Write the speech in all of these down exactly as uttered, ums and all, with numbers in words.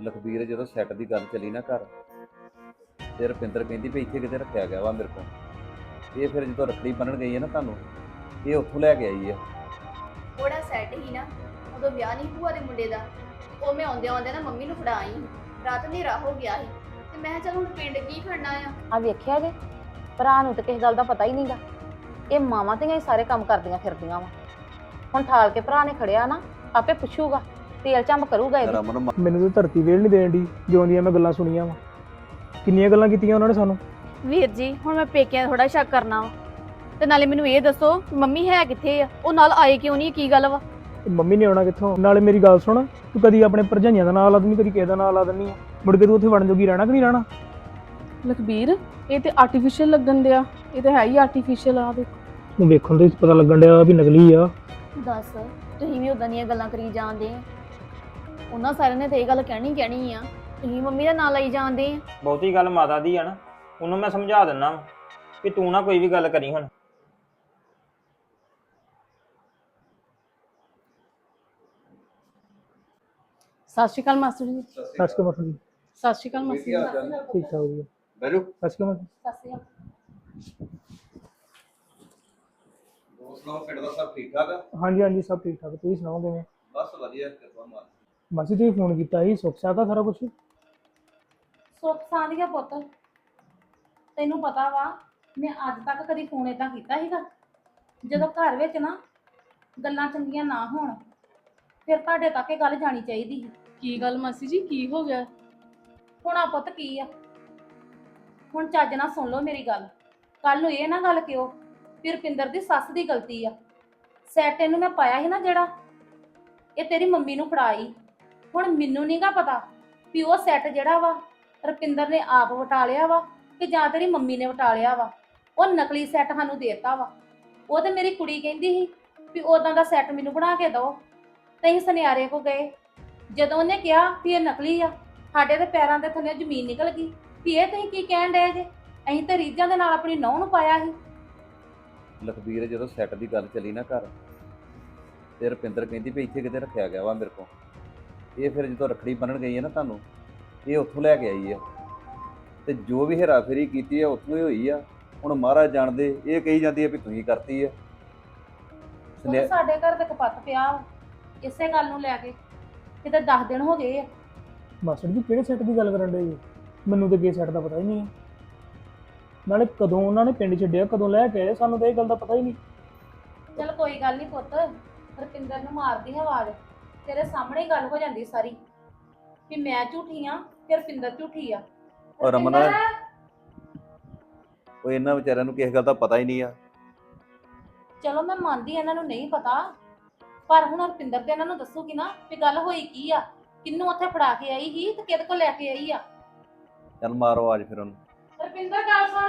ਲਖਬੀਰ ਜਦੋਂ ਸੈੱਟ ਦੀ ਗੱਲ ਚੱਲੀ ਨਾ ਘਰ, ਤੇ ਰੁਪਿੰਦਰ ਕਹਿੰਦੀ ਵੀ ਇੱਥੇ ਕਿਤੇ ਰੱਖਿਆ ਗਿਆ ਵਾ ਮੇਰੇ ਕੋਲ। ਇਹ ਫਿਰ ਜਦੋਂ ਰੱਖੜੀ ਬੰਨਣ ਗਈ ਹੈ ਨਾ ਤੁਹਾਨੂੰ, ਇਹ ਉੱਥੋਂ ਲੈ ਕੇ ਆਈ ਆ। ਉਹਦਾ ਸੈੱਟ ਹੀ ਨਾ, ਉਦੋਂ ਵਿਆਹ ਨਹੀਂ ਭੂਆ ਦੇ ਮੁੰਡੇ ਦਾ। ਉਹ ਮੈਂ ਆਉਂਦੇ ਆਉਂਦੇ ਨਾ ਮੰਮੀ ਨੂੰ ਫੜਾ ਆਈ। ਰਾਤ ਹਨੇਰਾ ਹੋ ਗਿਆ ਸੀ ਤੇ ਮੈਂ ਕਿਹਾ ਚੱਲ ਹੁਣ ਪਿੰਡ ਕੀ ਖੜਨਾ ਆ। ਆ ਵੇਖਿਆ ਜੇ ਭਰਾ ਨੂੰ ਤਾਂ ਕਿਸੇ ਗੱਲ ਦਾ ਪਤਾ ਹੀ ਨਹੀਂਗਾ। ਇਹ ਮਾਵਾਂ ਧੀਆਂ ਹੀ ਸਾਰੇ ਕੰਮ ਕਰਦੀਆਂ ਫਿਰਦੀਆਂ ਵਾ। ਹੁਣ ਠਾਲ ਕੇ ਭਰਾ ਨੇ ਖੜਿਆ ਨਾ, ਆਪੇ ਪੁੱਛੂਗਾ, ਤੇਲ ਚੰਬ ਕਰੂਗਾ ਇਹਦੀ। ਰਮਨ ਮ- ਮੈਨੂੰ ਤਾਂ ਧਰਤੀ ਵੇਲ ਨਹੀਂ ਦੇਣ ਦੀ ਜਿਉਂ ਦੀਆਂ ਮੈਂ ਗੱਲਾਂ ਸੁਣੀਆਂ ਵਾ। ਕਿੰਨੀਆਂ ਗੱਲਾਂ ਕੀਤੀਆਂ ਉਹਨਾਂ ਨੇ ਸਾਨੂੰ। ਵੀਰ ਜੀ ਹੁਣ ਮੈਂ ਪੇਕਿਆਂ ਥੋੜਾ ਸ਼ੱਕ ਕਰਨਾ ਵਾ, ਤੇ ਨਾਲੇ ਮੈਨੂੰ ਇਹ ਦੱਸੋ ਮੰਮੀ ਹੈ ਕਿੱਥੇ ਆ? ਉਹ ਨਾਲ ਆਏ ਕਿਉਂ ਨਹੀਂ? ਕੀ ਗੱਲ ਵਾ? ਤੇ ਮੰਮੀ ਨੇ ਆਉਣਾ ਕਿੱਥੋਂ? ਨਾਲੇ ਮੇਰੀ ਗੱਲ ਸੁਣ, ਤੂੰ ਕਦੀ ਆਪਣੇ ਭਰਜਾਈਆਂ ਦਾ ਨਾਂ ਲਾ ਦਿੰਦੀ, ਕਦੀ ਕਿਸੇ ਦਾ ਨਾਂ ਲਾ ਦਿੰਦੀ ਆ। ਮੁੜ ਕੇ ਤੂੰ ਉੱਥੇ ਵੜਨ ਜੋਗੀ ਰਹਿਣਾ ਕਿ ਨਹੀਂ ਰਹਿਣਾ? ਲਖਬੀਰ ਇਹ ਤੇ ਆਰਟੀਫੀਸ਼ੀਅਲ ਲੱਗਣ ਦਿਆ। ਇਹ ਤਾਂ ਹੈ ਹੀ ਆਰਟੀਫੀਸ਼ੀਅਲ ਆ। ਦੇਖ ਤੂੰ ਵੇਖਣ ਤੋਂ ਹੀ ਪਤਾ ਲੱਗਣ ਡਿਆ ਵੀ ਨਕਲੀ ਆ। ਦੱਸ, ਤੁਸੀਂ ਵੀ ਉਦਾਂ ਦੀਆਂ ਗੱਲਾਂ ਕਰੀ ਜਾਂਦੇ ਆ। ਉਹਨਾਂ ਸਾਰਿਆਂ ਨੇ ਤੇ ਇਹ ਗੱਲ ਕਹਿਣੀ ਕਹਿਣੀ ਆ, ਤੁਸੀਂ ਮੰਮੀ ਦਾ ਨਾਂ ਲਈ ਜਾਂਦੇ ਆ। ਬਹੁਤੀ ਗੱਲ ਮਾਤਾ ਦੀ ਆ ਨਾ, ਉਹਨੂੰ ਮੈਂ ਸਮਝਾ ਦਿੰਦਾ ਵਾ ਕਿ ਤੂੰ ਨਾ ਕੋਈ ਵੀ ਗੱਲ ਕਰੀ ਹੁਣ। ਸਤਿ ਸ਼੍ਰੀ ਅਕਾਲ ਮਾਸਟਰ ਜੀ। ਸੱਚ ਕੇ ਮਸਲ ਜੀ। ਸਤਿ ਸ਼੍ਰੀ ਅਕਾਲ ਮਾਸਟਰ ਜੀ। ਠੀਕ ਠਾਕ ਵਧੀਆ। ਬੈਠੋ। ਸੱਚ ਕੇ ਮਸਲ। ਸਤਿ ਸ਼੍ਰੀ ਅਕਾਲ। ਹੋਰ ਸੁਣਾਓ, ਪਿੰਡ ਦਾ ਸਭ ਠੀਕ ਠਾਕ ਆ? ਹਾਂਜੀ ਹਾਂਜੀ ਸਭ ਠੀਕ ਠਾਕ। ਤੁਸੀਂ ਸੁਣਾਓ ਕਿਵੇਂ? ਬਸ ਵਧੀਆ, ਕਿਰਪਾ ਮਾਰ। ਮਾਸੀ ਤੁਸੀਂ ਫੋਨ ਕੀਤਾ ਸੀ, ਸੁੱਖ ਸਾਗਾ ਸਾਰਾ ਕੁਝ? ਸੁੱਖ ਸਾਂਝੀਆ ਪੁੱਤ, ਤੈਨੂੰ ਪਤਾ ਵਾ ਮੈਂ ਅੱਜ ਤੱਕ ਕਦੀ ਫੋਨ ਏਦਾਂ ਕੀਤਾ ਸੀਗਾ? ਜਦੋਂ ਘਰ ਵਿੱਚ ਨਾ ਗੱਲਾਂ ਚੰਗੀਆਂ ਨਾ ਹੋਣ, ਫਿਰ ਤੁਹਾਡੇ ਤੱਕ ਇਹ ਗੱਲ ਜਾਣੀ ਚਾਹੀਦੀ ਸੀ। ਕੀ ਗੱਲ ਮਾਸੀ ਜੀ, ਕੀ ਹੋ ਗਿਆ? ਹੁਣ ਆ ਪੁੱਤ ਕੀ ਆ, ਹੁਣ ਚੱਜ ਨਾਲ ਸੁਣ ਲਓ ਮੇਰੀ ਗੱਲ। ਕੱਲ ਨੂੰ ਇਹ ਨਾ ਗੱਲ ਕਿਉਂ ਵੀ ਰੁਪਿੰਦਰ ਦੀ ਸੱਸ ਦੀ ਗਲਤੀ ਆ। ਸੈਟ ਇਹਨੂੰ ਮੈਂ ਪਾਇਆ ਸੀ ਨਾ ਜਿਹੜਾ, ਇਹ ਤੇਰੀ ਮੰਮੀ ਨੂੰ ਫੜਾਈ। ਹੁਣ ਮੈਨੂੰ ਨਹੀਂਗਾ ਪਤਾ ਵੀ ਉਹ ਸੈੱਟ ਜਿਹੜਾ ਵਾ ਰੁਪਿੰਦਰ ਨੇ ਆਪ ਵਟਾ ਲਿਆ ਵਾ ਕਿ ਜਾਂ ਤੇਰੀ ਮੰਮੀ ਨੇ ਵਟਾ ਲਿਆ ਵਾ। ਉਹ ਨਕਲੀ ਸੈੱਟ ਸਾਨੂੰ ਦੇਤਾ ਵਾ। ਉਹ ਤੇ ਮੇਰੀ ਕੁੜੀ ਕਹਿੰਦੀ ਸੀ ਵੀ ਉਦਾਂ ਦਾ ਸੈੱਟ ਮੈਨੂੰ ਬਣਾ ਕੇ ਦਿਓ। ਤੇ ਅਸੀਂ ਸੁਨਿਆਰੇ ਕੋ ਗਏ, ਜਦੋਂ ਉਹਨੇ ਕਿਹਾ ਵੀ ਇਹ ਨਕਲੀ ਆ, ਸਾਡੇ ਦੇ ਪੈਰਾਂ ਦੇ ਥੱਲੇ ਜ਼ਮੀਨ ਨਿਕਲ ਗਈ ਵੀ ਇਹ ਤੁਸੀਂ ਕੀ ਕਹਿਣ ਡਏ ਜੇ? ਅਸੀਂ ਤਾਂ ਰੀਝਾਂ ਦੇ ਨਾਲ ਆਪਣੀ ਨਹੁੰ ਨੂੰ ਪਾਇਆ ਸੀ। ਲਖਬੀਰ ਜਦੋਂ ਸੈੱਟ ਦੀ ਗੱਲ ਚੱਲੀ ਨਾ ਘਰ, ਤੇ ਰੁਪਿੰਦਰ ਕਹਿੰਦੀ ਵੀ ਇੱਥੇ ਕਿਤੇ ਰੱਖਿਆ ਗਿਆ ਵਾ ਮੇਰੇ ਕੋਲ। ਇਹ ਫਿਰ ਜਦੋਂ ਰੱਖੜੀ ਬੰਨਣ ਗਈ ਹੈ ਨਾ ਤੁਹਾਨੂੰ, ਇਹ ਉੱਥੋਂ ਲੈ ਕੇ ਆਈ ਆ। ਤੇ ਜੋ ਵੀ ਹੇਰਾਫੇਰੀ ਕੀਤੀ ਆ ਉੱਥੋਂ ਹੀ ਹੋਈ ਆ। ਹੁਣ ਮਹਾਰਾਜ ਜਾਣਦੇ, ਇਹ ਕਹੀ ਜਾਂਦੀ ਆ ਵੀ ਤੁਸੀਂ ਕਰਤੀ ਆ। ਉਹ ਸਾਡੇ ਘਰ ਤੇ ਕਪੱਤ ਪਿਆ ਵਾ, ਇਸੇ ਗੱਲ ਨੂੰ ਲੈ ਕੇ। ਕਿਤੇ ਦਸ ਦਿਨ ਹੋ ਗਏ ਆ। ਮਾਸਟਰ ਜੀ ਕਿਹੜੇ ਸੈੱਟ ਦੀ ਗੱਲ ਕਰਨ ਡੇ ਜੀ? ਮੈਨੂੰ ਤਾਂ ਕਿਸੇ ਸੈੱਟ ਦਾ ਪਤਾ ਹੀ ਨਹੀਂ ਹੈ। ਨਾਲੇ ਕਦੋਂ ਉਹਨਾਂ ਨੇ ਪਿੰਡ ਛੱਡਿਆ, ਕਦੋਂ ਲੈ ਕੇ ਆਏ, ਸਾਨੂੰ ਤਾਂ ਇਹ ਗੱਲ ਦਾ ਪਤਾ ਹੀ ਨਹੀਂ। ਚਲ ਕੋਈ ਗੱਲ ਨਹੀਂ ਪੁੱਤ, ਰੁਪਿੰਦਰ ਨੂੰ ਮਾਰਦੀ ਆਵਾਜ਼, ਤੇਰੇ ਸਾਹਮਣੇ ਹੀ ਗੱਲ ਹੋ ਜਾਂਦੀ ਸਾਰੀ ਵੀ ਮੈਂ ਝੂਠੀ ਆ ਤੇ ਰੁਪਿੰਦਰ ਝੂਠੀ ਆ। ਔਰ ਰਮਨ, ਰੁਪਿੰਦਰ, ਉਹ ਇਹਨਾਂ ਵਿਚਾਰਿਆਂ ਨੂੰ ਕਿਸੇ ਗੱਲ ਦਾ ਪਤਾ ਹੀ ਨਹੀਂ ਆ। ਚਲੋ ਮੈਂ ਮੰਨਦੀ ਇਹਨਾਂ ਨੂੰ ਨਹੀਂ ਪਤਾ, ਪਰ ਹੁਣ ਰੁਪਿੰਦਰ ਤੇ ਇਹਨਾਂ ਨੂੰ ਦੱਸੂਗੀ ਨਾ ਵੀ ਗੱਲ ਹੋਈ ਕੀ ਆ, ਕਿੰਨੂੰ ਉੱਥੇ ਫੜਾ ਕੇ ਆਈ ਸੀ ਤੇ ਕਿਹਦੇ ਕੋਲ ਲੈ ਕੇ ਆਈ ਆ। ਚੱਲ ਮਾਰੋ ਆਜ ਫਿਰ ਉਹਨੂੰ। ਰੁਪਿੰਦਰ ਗੱਲ ਸੁਣ।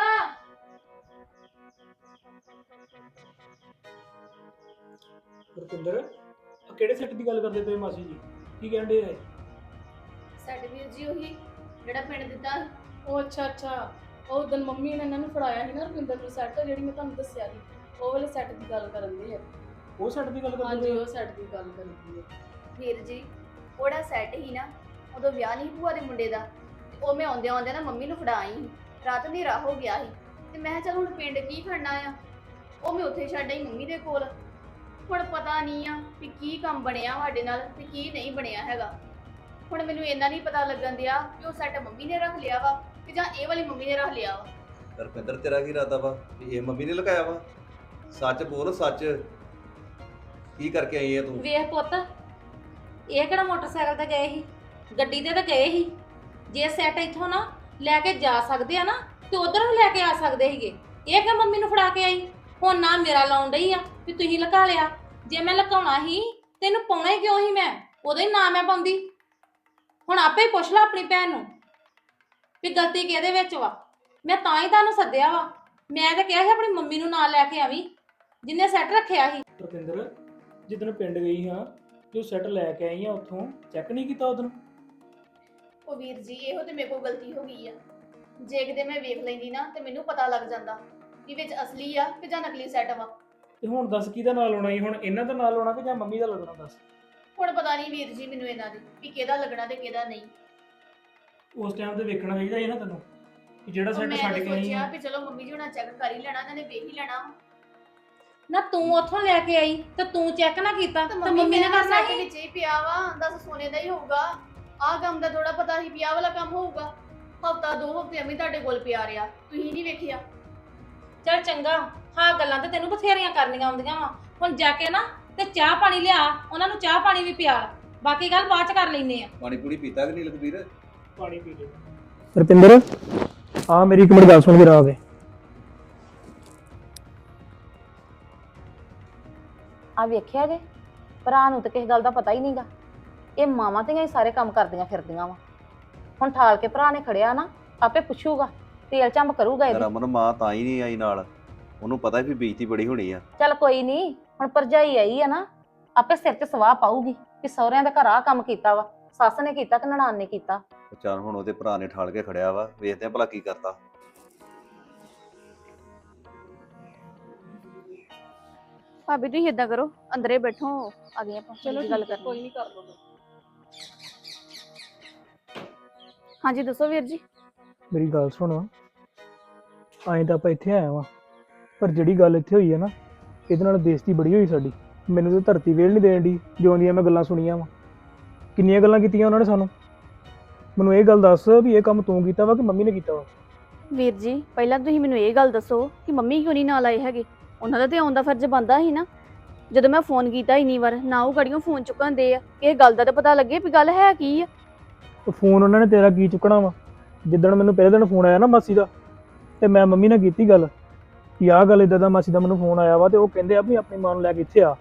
ਰੁਪਿੰਦਰ ਆ ਕਿਹੜੇ ਸੈੱਟ ਦੀ ਗੱਲ ਕਰਦੇ ਪਏ ਮਾਸੀ ਜੀ? ਕੀ ਕਹਿਣ ਡੇ ਆ? ਸੈੱਟ ਵੀਰ ਜੀ ਉਹੀ ਜਿਹੜਾ ਪਿੰਡ ਦਿੱਤਾ ਸੀ। ਉਹ ਅੱਛਾ ਅੱਛਾ, ਉਹ ਉਦੋਂ ਮੰਮੀ ਨੇ ਇਹਨਾਂ ਨੂੰ ਫੜਾਇਆ ਸੀ ਨਾ ਰੁਪਿੰਦਰ ਨੂੰ ਸੈੱਟ, ਜਿਹੜੀ ਮੈਂ ਤੁਹਾਨੂੰ ਦੱਸਿਆ ਸੀ। ਉਹ ਵਾਲੇ ਸੈੱਟ ਦੀ ਗੱਲ ਕਰਨ ਦੇ ਆ। ਉਹ ਸੈੱਟ ਦੀ ਗੱਲ ਕਰਦੇ ਹਾਂਜੀ ਪਏ? ਉਹ ਸੈੱਟ ਦੀ ਗੱਲ ਕਰਦੀ ਹੈ। ਵੀਰ ਜੀ ਉਹਦਾ ਸੈੱਟ ਹੀ ਨਾ, ਉਦੋਂ ਵਿਆਹ ਨਹੀਂ ਭੂਆ ਦੇ ਮੁੰਡੇ ਦਾ। ਤੇ ਉਹ ਮੈਂ ਆਉਂਦੇ ਆਉਂਦੇ ਨਾ ਮੰਮੀ ਨੂੰ ਫੜਾ ਆਈ। ਰਾਤ ਹਨੇਰਾ ਹੋ ਗਿਆ ਸੀ ਤੇ ਮੈਂ ਕਿਹਾ ਚੱਲ ਹੁਣ ਪਿੰਡ ਕੀ ਖੜਨਾ ਆ। ਉਹ ਮੈਂ ਉੱਥੇ ਛੱਡ ਆਈ ਮੰਮੀ ਦੇ ਕੋਲ। ਹੁਣ ਪਤਾ ਨਹੀਂ ਆ ਵੀ ਕੀ ਕੰਮ ਬਣਿਆ ਸਾਡੇ ਨਾਲ ਤੇ ਕੀ ਨਹੀਂ ਬਣਿਆ ਹੈਗਾ। ਹੁਣ ਮੈਨੂੰ ਇੰਨਾ ਨਹੀਂ ਪਤਾ ਲੱਗਣ ਦਿਆ ਕਿ ਉਹ ਸੈੱਟ ਮੰਮੀ ਨੇ ਰੱਖ ਲਿਆ ਵਾ ਕਿ ਜਾਂ ਇਹ ਵਾਲੀ ਮੰਮੀ ਨੇ ਰੱਖ ਲਿਆ ਵਾ। ਰੁਪਿੰਦਰ ਤੇਰਾ ਕੀ ਇਰਾਦਾ ਵਾ ਵੀ ਇਹ ਮੰਮੀ ਨੇ ਲਗਾਇਆ ਵਾ? ਸੱਚ ਬੋਲ, ਸੱਚ ਕੀ ਕਰਕੇ ਆਈ ਹੈ ਤੂੰ? ਵੇਖ ਪੁੱਤ, ਇਹ ਕਿਹੜਾ ਮੋਟਰਸਾਈਕਲ ਤੇ ਗਏ ਸੀ, ਗੱਡੀ ਤੇ ਤਾਂ ਗਏ ਸੀ। ਜੇ ਸੈੱਟ ਇੱਥੋਂ ਨਾ ਲੈ ਕੇ ਜਾ ਸਕਦੇ ਆ ਨਾ ਤੇ ਉਧਰ ਵੀ ਲੈ ਕੇ ਆ ਸਕਦੇ ਸੀਗੇ। ਇਹ ਕਿ ਮੰਮੀ ਨੂੰ ਫੜਾ ਕੇ ਆਈ। ਹੁਣ ਨਾ ਮੇਰਾ ਲਾਉਣ ਡਈ ਆ ਵੀ ਤੁਸੀਂ ਲੁਕਾ ਲਿਆ। ਜੇ ਮੈਂ ਲੁਕਾਉਣਾ ਸੀ ਤੈਨੂੰ ਪਾਉਣਾ ਹੀ ਕਿਉਂ ਸੀ? ਮੈਂ ਉਦੋਂ ਹੀ ਨਾ ਮੈਂ ਪਾਉਂਦੀ। ਹੁਣ ਆਪੇ ਹੀ ਪੁੱਛ ਲੈ ਆਪਣੀ ਭੈਣ ਨੂੰ ਵੀ ਗਲਤੀ ਕਿਹਦੇ ਵਿੱਚ ਵਾ। ਮੈਂ ਤਾਂ ਹੀ ਤੁਹਾਨੂੰ ਸੱਦਿਆ ਵਾ। ਮੈਂ ਤਾਂ ਕਿਹਾ ਸੀ ਆਪਣੀ ਮੰਮੀ ਨੂੰ ਨਾਲ ਲੈ ਕੇ ਆਵੀਂ ਜਿੰਨੇ ਸੈੱਟ ਰੱਖਿਆ ਸੀ। ਰੁਪਿੰਦਰ ਜਿੱਦਣ ਪਿੰਡ ਗਈ ਹਾਂ, ਜੋ ਸੈੱਟ ਲੈ ਕੇ ਆਈ ਆ ਉੱਥੋਂ ਚੈੱਕ ਨਹੀਂ ਕੀਤਾ ਉਦੋਂ? ਉਹ ਵੀਰ ਜੀ ਇਹੋ ਤੇ ਮੇਰੇ ਕੋਲ ਗਲਤੀ ਹੋ ਗਈ ਆ। ਜੇ ਕਿਤੇ ਮੈਂ ਵੇਖ ਲੈਂਦੀ ਨਾ ਤੇ ਮੈਨੂੰ ਪਤਾ ਲੱਗ ਜਾਂਦਾ ਕਿ ਵਿੱਚ ਅਸਲੀ ਆ ਕਿ ਜਾਂ ਨਕਲੀ ਸੈੱਟ ਵਾ। ਤੇ ਹੁਣ ਦੱਸ ਕਿਹਦਾ ਨਾਲ ਆਉਣਾ ਸੀ? ਹੁਣ ਇਹਨਾਂ ਦਾ ਨਾਲ ਆਉਣਾ ਕਿ ਜਾਂ ਮੰਮੀ ਦਾ ਲੱਗਣਾ? ਦੱਸ। ਹੁਣ ਪਤਾ ਨਹੀਂ ਵੀਰ ਜੀ ਮੈਨੂੰ ਇਹਨਾਂ ਦੀ ਵੀ ਕਿਹਦਾ ਲੱਗਣਾ ਤੇ ਕਿਹਦਾ ਨਹੀਂ। ਉਸ ਟਾਈਮ ਤੇ ਵੇਖਣਾ ਚਾਹੀਦਾ ਸੀ ਨਾ ਤੈਨੂੰ ਕਿ ਜਿਹੜਾ ਉਹ ਸੈੱਟ ਮੈਂ ਛੱਡ ਤਾਂ ਕੇ ਆਈ ਸੋਚਿਆ ਆ। ਵੀ ਚਲੋ ਮੰਮੀ ਜੀ ਹੁਣਾਂ ਚੈੱਕ ਕਰ ਹੀ ਲੈਣਾ, ਇਹਨਾਂ ਨੇ ਵੇਖ ਹੀ ਲੈਣਾ ਵਾ। ਨਾ ਤੂੰ ਉੱਥੋਂ ਲੈ ਕੇ ਆਈ ਤੇ ਤੂੰ ਚੈੱਕ ਨਾ ਕੀਤਾ ਤੇ ਤੇ ਮੰਮੀ ਮੰਮੀ ਨੇ ਮੇਰਾ ਕਰਨਾ ਸੈੱਟ ਸੀ। ਵਿੱਚ ਹੀ ਪਿਆ ਵਾ, ਦੱਸ ਸੋਨੇ ਦਾ ਹੀ ਹੋਊਗਾ। ਆਹ ਕੰਮ ਦਾ ਥੋੜਾ ਪਤਾ ਸੀ ਵੀ ਆਹ ਵਾਲਾ ਕੰਮ ਹੋਊਗਾ। ਹਫਤਾ ਦੋ ਹਫਤੇ ਐਵੇਂ ਤੁਹਾਡੇ ਕੋਲ ਪਿਆ ਰਿਹਾ, ਤੁਸੀਂ ਨਹੀਂ ਵੇਖਿਆ। ਚੱਲ ਚੰਗਾ, ਹਾਂ ਗੱਲਾਂ ਤੇ ਤੈਨੂੰ ਬਥੇਰੀਆਂ ਕਰਨੀਆਂ ਆਉਂਦੀਆਂ ਵਾ। ਹੁਣ ਜਾ ਕੇ ਨਾ ਤੇ ਚਾਹ ਪਾਣੀ ਲਿਆ, ਉਹਨਾਂ ਨੂੰ ਚਾਹ ਪਾਣੀ ਵੀ ਪਿਆ, ਬਾਕੀ ਗੱਲ ਬਾਅਦ ਚ ਕਰ ਲੈਨੇ ਆ। ਪਾਣੀ ਪੂਣੀ ਪੀਤਾ ਕਿ ਨਹੀਂ ਲਖਬੀਰ? ਪਾਣੀ ਪੀ ਲੈ। ਰੁਪਿੰਦਰ ਆ ਮੇਰੀ ਇੱਕ ਮਿੰਟ ਗੱਲ ਸੁਣ ਕੇ ਆ ਕੇ। ਆ ਵੇਖਿਆ ਜੇ ਭਰਾ ਨੂੰ ਤਾਂ ਕਿਸੇ ਗੱਲ ਦਾ ਪਤਾ ਹੀ ਨਹੀਂਗਾ। ਇਹ ਮਾਵਾਂ ਧੀਆਂ ਹੀ ਸਾਰੇ ਕੰਮ ਕਰਦੀਆਂ ਫਿਰਦੀਆਂ ਵਾ। ਹੁਣ ਠਾਲ ਕੇ ਭਰਾ ਨੇ ਖੜਿਆ ਨਾ, ਆਪੇ ਪੁੱਛੂਗਾ, ਤੇਲ ਚੰਬ ਕਰੂਗਾ ਇਹਦੀ। ਰਮਨ ਮਾਂ ਤਾਂ ਹੀ ਨਹੀਂ ਆਈ ਨਾਲ, ਉਹਨੂੰ ਪਤਾ ਵੀ ਬੇਇੱਜ਼ਤੀ ਬੜੀ ਹੋਣੀ ਆ। ਚੱਲ ਕੋਈ ਨਹੀਂ, ਹੁਣ ਭਰਜਾਈ ਆਈ ਆ ਨਾ, ਆਪੇ ਸਿਰ 'ਚ ਸਵਾਹ ਪਾਊਗੀ ਕਿ ਸਹੁਰਿਆਂ ਦੇ ਘਰ ਆ ਕੰਮ ਕੀਤਾ ਵਾ, ਸੱਸ ਨੇ ਕੀਤਾ ਕਿ ਨਨਾਣ ਨੇ ਕੀਤਾ। ਚੱਲ ਹੁਣ ਉਹਦੇ ਭਰਾ ਨੇ ਠਾਲ ਕੇ ਖੜਿਆ ਵਾ, ਵੇਖਦੇ ਆ ਭਲਾ ਕੀ ਕਰਦਾ। ਭਾਬੀ ਤੁਸੀਂ ਏਦਾਂ ਕਰੋ, ਅੰਦਰੇ ਬੈਠੋ, ਆ ਗਏ ਆਪਾਂ ਚਲੋ ਚਲੋ ਗੱਲ ਠੀਕ ਹੈ, ਕਰਨੀ। ਕੋਈ ਨਹੀਂ ਕਰ ਲਓ। ਹਾਂਜੀ ਦੱਸੋ ਵੀਰ ਜੀ। ਮੇਰੀ ਗੱਲ ਸੁਣ, ਆਏ ਤਾਂ ਆਪਾਂ ਇੱਥੇ ਆਏ ਵਾਂ, ਪਰ ਜਿਹੜੀ ਗੱਲ ਇੱਥੇ ਹੋਈ ਹੈ ਨਾ, ਇਹਦੇ ਨਾਲ ਬੇਇੱਜ਼ਤੀ ਬੜੀ ਹੋਈ ਸਾਡੀ। ਮੈਨੂੰ ਤਾਂ ਧਰਤੀ ਵੇਲ ਨਹੀਂ ਦੇਣ ਦੀ, ਜਿਉਂ ਦੀਆਂ ਮੈਂ ਗੱਲਾਂ ਸੁਣੀਆਂ ਵਾ। ਕਿੰਨੀਆਂ ਗੱਲਾਂ ਕੀਤੀਆਂ ਉਹਨਾਂ ਨੇ ਸਾਨੂੰ। ਮੈਨੂੰ ਇਹ ਗੱਲ ਦੱਸ ਵੀ ਇਹ ਕੰਮ ਤੂੰ ਕੀਤਾ ਵਾ ਕਿ ਮੰਮੀ ਨੇ ਕੀਤਾ ਵਾ? ਵੀਰ ਜੀ ਪਹਿਲਾਂ ਤੁਸੀਂ ਮੈਨੂੰ ਇਹ ਗੱਲ ਦੱਸੋ ਕਿ ਮੰਮੀ ਕਿਉਂ ਨਹੀਂ ਨਾਲ ਆਏ ਹੈਗੇ? ਉਹਨਾਂ ਦਾ ਤੇ ਆਉਣ ਦਾ ਫਰਜ਼ ਬਣਦਾ ਸੀ ਨਾ। ਜਦੋਂ ਮੈਂ ਫੋਨ ਕੀਤਾ ਇੰਨੀ ਵਾਰ ਨਾ ਉਹ ਗੜੀਆਂ ਫੋਨ ਚੁੱਕਣ ਦੇ ਆ, ਇਹ ਗੱਲ ਦਾ ਤਾਂ ਪਤਾ ਲੱਗੇ ਵੀ ਗੱਲ ਹੈ ਕੀ ਆ। ਉਹ ਫੋਨ ਉਹਨਾਂ ਨੇ ਤੇਰਾ ਕੀ ਚੁੱਕਣਾ ਵਾ? ਜਿੱਦਣ ਮੈਨੂੰ ਪਹਿਲੇ ਦਿਨ ਫੋਨ ਆਇਆ ਨਾ ਮਾਸੀ ਦਾ, ਤੇ ਮੈਂ ਮੰਮੀ ਨਾਲ ਕੀਤੀ ਗੱਲ ਕਿ ਆਹ ਗੱਲ ਇੱਦਾਂ ਦਾ ਮਾਸੀ ਦਾ ਮੈਨੂੰ ਫੋਨ ਆਇਆ ਵਾ, ਤੇ ਉਹ ਕਹਿੰਦੇ ਆ ਵੀ ਆਪਣੀ ਮਾਂ ਨੂੰ ਲੈ ਕੇ ਇੱਥੇ ਆ।